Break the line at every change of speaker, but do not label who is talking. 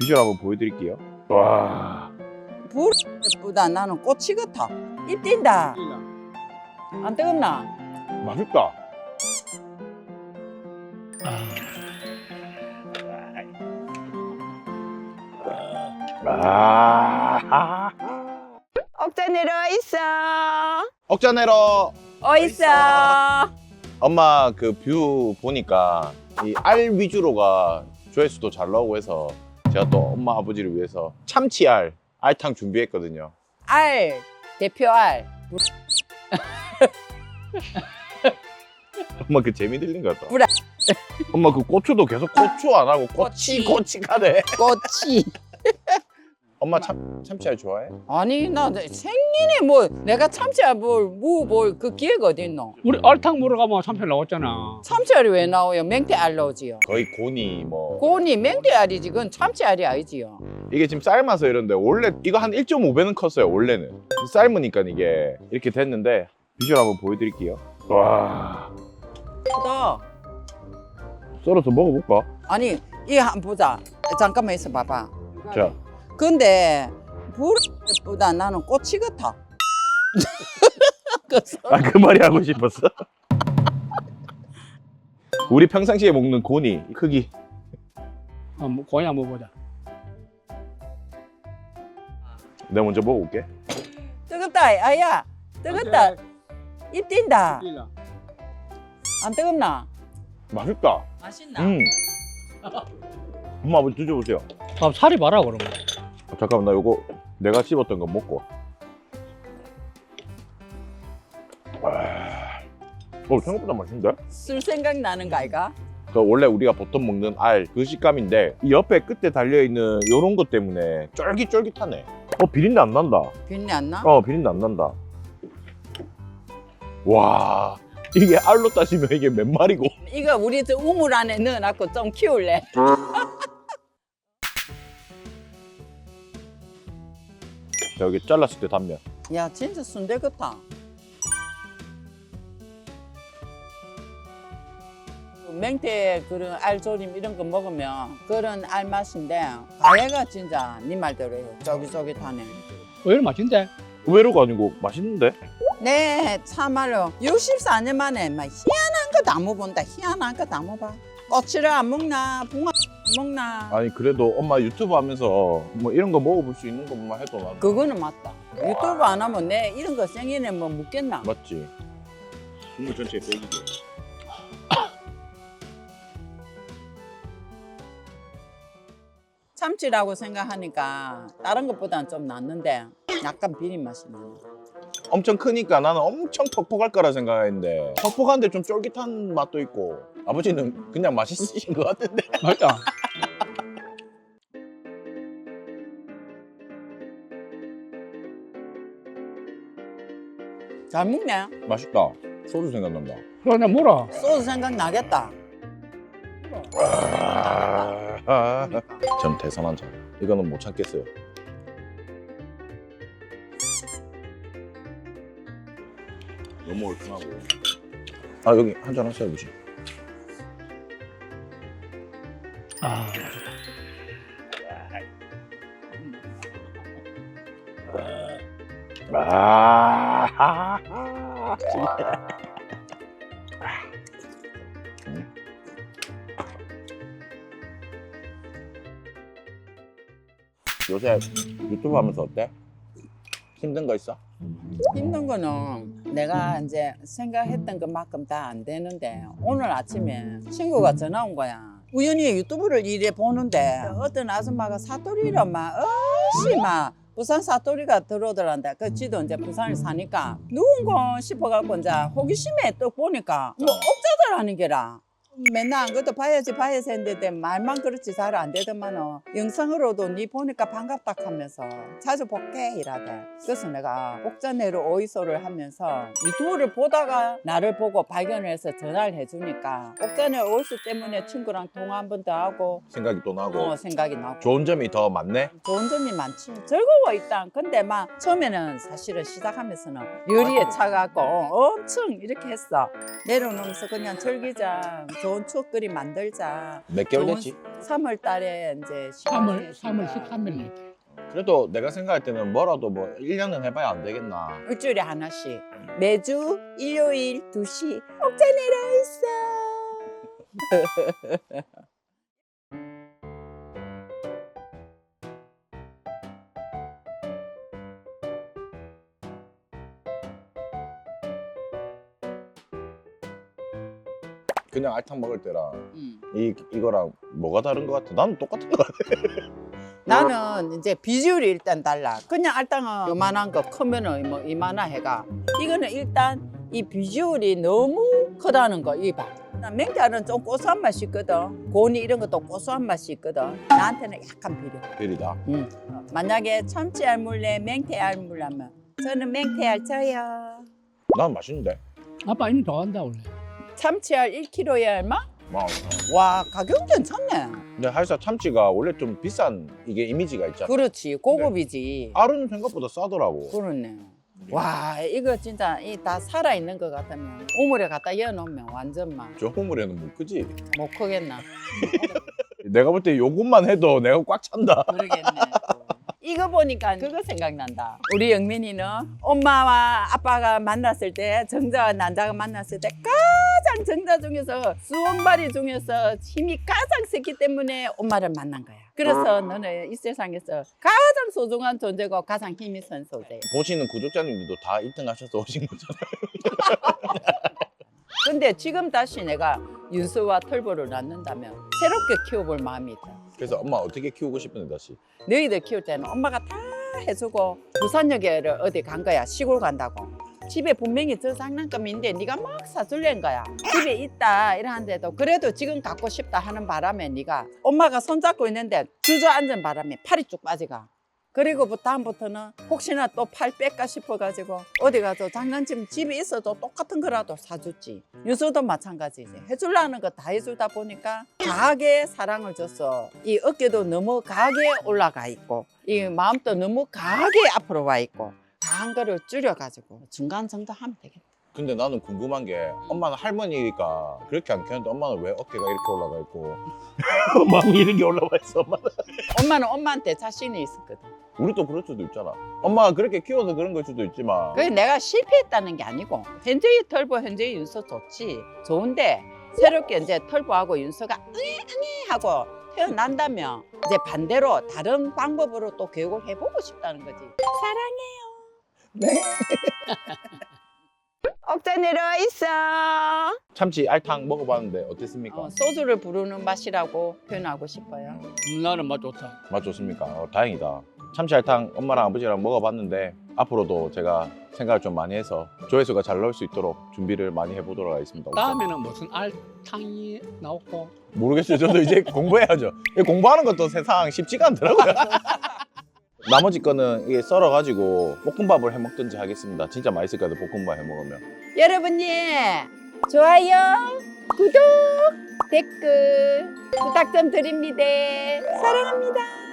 비주얼 한번 보여드릴게요. 와.
불보다 나는 꼬치 같아. 입 뛴다. 안 뜨겁나?
맛있다. 아.
억자 내려 있어.
억자 내러.
있어.
엄마 그 뷰 보니까 이 알 위주로가 조회수도 잘 나오고 해서 제가 또 엄마 아버지를 위해서 참치알 알탕 준비했거든요.
알 대표 알.
엄마 그 재미 들린 것 같다.
불알.
엄마 그 고추도 계속 고추 안 하고
꼬치.
꼬치가네.
꼬치.
엄마 참치알 좋아해?
아니 나 생일에 뭐 내가 참치알 그 기회가 어디 있노?
우리 알탕 먹으러 가면 참치 나왔잖아.
참치알이 왜 나와요? 맹태알 나오지요.
거의 고니 뭐
고니 맹태알이지 그건 참치알이 아니지요.
이게 지금 삶아서 이런데 원래 이거 한 1.5배는 컸어요. 원래는 삶으니까 이게 이렇게 됐는데 비주얼 한번 보여드릴게요. 와,
크다.
썰어서 먹어볼까?
아니 이 한번 보자. 잠깐만 있어 봐봐.
자,
근데 불보다 나는 꼬치 같아.
그 말이 하고 싶었어. 우리 평상시에 먹는 고니 크기.
고기 한번 보자.
내가 먼저 먹어볼게.
뜨겁다 아야. 뜨겁다. 입 뛴다. 안 뜨겁나?
맛있다.
맛있나?
엄마 아버지 드셔보세요.
그럼 살이 봐라 그러면.
잠깐만 나 요거 내가 씹었던 거 먹고. 생각보다 맛있는데?
술 생각 나는 거 아이가?
그 원래 우리가 보통 먹는 알 그 식감인데 이 옆에 끝에 달려있는 요런 것 때문에 쫄깃쫄깃하네. 비린내 안 난다.
비린내 안 나?
비린내 안 난다. 와, 이게 알로 따지면 이게 몇 마리고.
이거 우리 저 우물 안에 넣어놨고 좀 키울래.
자, 여기 잘랐을 때 단면.
야 진짜 순대 같아. 맹태 그런 알조림 이런 거 먹으면 그런 알 맛인데 가래가 진짜 네 말대로 쫄깃쫄깃하네.
의외로 맛있는데?
의외로가 아니고 맛있는데?
네 참말로 64년 만에 막 희한한 거 다 먹어본다. 희한한 거 다 먹어봐. 꼬치를 안 먹나 붕어 안 먹나.
아니 그래도 엄마 유튜브 하면서 뭐 이런 거 먹어볼 수 있는 것만 해도 난
그거는 맞다. 유튜브 안 하면 내 이런 거 생일에 뭐 묻겠나.
맞지. 국물 전체에 빼기게.
참치라고 생각하니까 다른 것보다는 좀 낫는데 약간 비린 맛이 나네.
엄청 크니까 나는 엄청 퍽퍽할 거라 생각했는데 퍽퍽한데 좀 쫄깃한 맛도 있고 아버지는 그냥 맛있으신 것 같은데.
맛있다.
잘 먹네.
맛있다. 소주 생각난다.
그러나 뭐라?
소주 생각 나겠다.
전 대선 한 잔. 이거는 못 참겠어요. 너무 얼큰하고. 여기 한 잔 하세요, 아버지. 요새 유튜브 하면서 어때? 힘든 거 있어?
힘든 거는 내가 이제 생각했던 것만큼 다 안 되는데 오늘 아침에 친구가 전화 온 거야. 우연히 유튜브를 이래 보는데 어떤 아줌마가 사투리로 막 막 부산 사투리가 들어오더란다. 그 지도 이제 부산에 사니까 누군가 싶어갖고 이제 호기심에 또 보니까 뭐 억자들 하는 게라. 맨날 안 그래도 봐야지 했는데 말만 그렇지 잘 안 되더만은 영상으로도 니 보니까 반갑다 하면서 자주 볼게 이라대. 그래서 내가 옥자내로 오이소를 하면서 유튜브를 보다가 나를 보고 발견을 해서 전화를 해주니까 옥자내 오이소 때문에 친구랑 통화 한 번 더 하고
생각이 또 나고
생각이 나고
좋은 점이 더 많네?
좋은 점이 많지. 즐거워 일단. 근데 막 처음에는 사실은 시작하면서는 요리에 차갖고 엄청 이렇게 했어. 내려놓으면서 그냥 즐기자. 좋은 추억거리 만들자.
몇 개월 됐지?
3월 달에 이제
3월 13일.
그래도 내가 생각할 때는 뭐라도 뭐 1년은 해봐야 안 되겠나.
일주일에 하나씩 매주 일요일 2시 옥자 내려 있어.
그냥 알탕 먹을 때랑
음.
이거랑 뭐가 다른 것 같아? 나는 똑같은 것 같아.
나는 이제 비주얼이 일단 달라. 그냥 알탕은 요만한 거 크면은 뭐 이만한 해가. 이거는 일단 이 비주얼이 너무 크다는 거 이봐. 맹태알은 좀 고소한 맛이 있거든. 고니 이런 것도 고소한 맛이 있거든. 나한테는 약간 비려.
비리다.
만약에 참치 알물래 맹태 알물라면 저는 맹태 알 쳐요.
난 맛있는데.
아빠 이미 좋아한다 원래.
참치 알 1kg에 얼마?
와.
와 가격 괜찮네.
근데 할사 참치가 원래 좀 비싼 이게 이미지가 있잖아.
그렇지 고급이지.
알은 생각보다 싸더라고.
그렇네. 와 이거 진짜 이 다 살아 있는 것 같으면 우물에 갖다 넣어놓으면 완전 막
저 호물에는 못 크지.
못 크겠나.
내가 볼 때 요것만 해도 내가 꽉 찬다.
모르겠네. 이거 보니까 그거 생각난다. 우리 영민이는 엄마와 아빠가 만났을 때 정자와 난자가 만났을 때 가장 정자 중에서 수원발이 중에서 힘이 가장 셌기 때문에 엄마를 만난 거야. 그래서 너는 이 세상에서 가장 소중한 존재고 가장 힘이 센 존재.
보시는 구독자님들도 다 1등 하셔서 오신 거잖아요.
근데 지금 다시 내가 윤수와 털보를 낳는다면 새롭게 키워볼 마음이 있다.
그래서 엄마 어떻게 키우고 싶은데 다시.
너희들 키울 때는 엄마가 다 해주고 부산역에 어디 간 거야. 시골 간다고. 집에 분명히 저 장난감인데 네가 막 사줄랜 거야. 집에 있다 이러는데도 그래도 지금 갖고 싶다 하는 바람에 네가 엄마가 손잡고 있는데 주저앉은 바람에 팔이 쭉 빠지가. 그리고 다음부터는 혹시나 또 팔 뺄까 싶어가지고 어디 가서 장난감 집에 있어도 똑같은 거라도 사줬지. 윤수도 마찬가지지. 해주려는 거 다 해주다 보니까 강하게 사랑을 줬어. 이 어깨도 너무 강하게 올라가 있고 이 마음도 너무 강하게 앞으로 와 있고 강한 거를 줄여가지고 중간 정도 하면 되겠다.
근데 나는 궁금한 게 엄마는 할머니니까 그렇게 안 키웠는데 엄마는 왜 어깨가 이렇게 올라가 있고 마음이 이렇게 올라와 있어 엄마는.
엄마는 엄마한테 자신이 있었거든.
우리도 그럴 수도 있잖아. 엄마가 그렇게 키워서 그런 걸 수도 있지만
그게 내가 실패했다는 게 아니고 현재의 털보 현재의 윤서 좋지. 좋은데 새롭게 이제 털보하고 윤서가 응애 하고 태어난다면 이제 반대로 다른 방법으로 또 교육을 해보고 싶다는 거지. 사랑해요. 네. 옥자 내려와 있어.
참치 알탕 먹어봤는데 어땠습니까?
소주를 부르는 맛이라고 표현하고 싶어요.
나는 맛 좋다.
맛 좋습니까? 다행이다. 참치 알탕 엄마랑 아버지랑 먹어봤는데 앞으로도 제가 생각을 좀 많이 해서 조회수가 잘 나올 수 있도록 준비를 많이 해보도록 하겠습니다.
다음에는 무슨 알탕이 나오고.
모르겠어요. 저도 이제 공부해야죠. 이 공부하는 것도 세상 쉽지가 않더라고요. 나머지 거는 이게 썰어가지고 볶음밥을 해먹든지 하겠습니다. 진짜 맛있을 거예요. 볶음밥 해먹으면.
여러분님 좋아요, 구독, 댓글 부탁 좀 드립니다. 사랑합니다.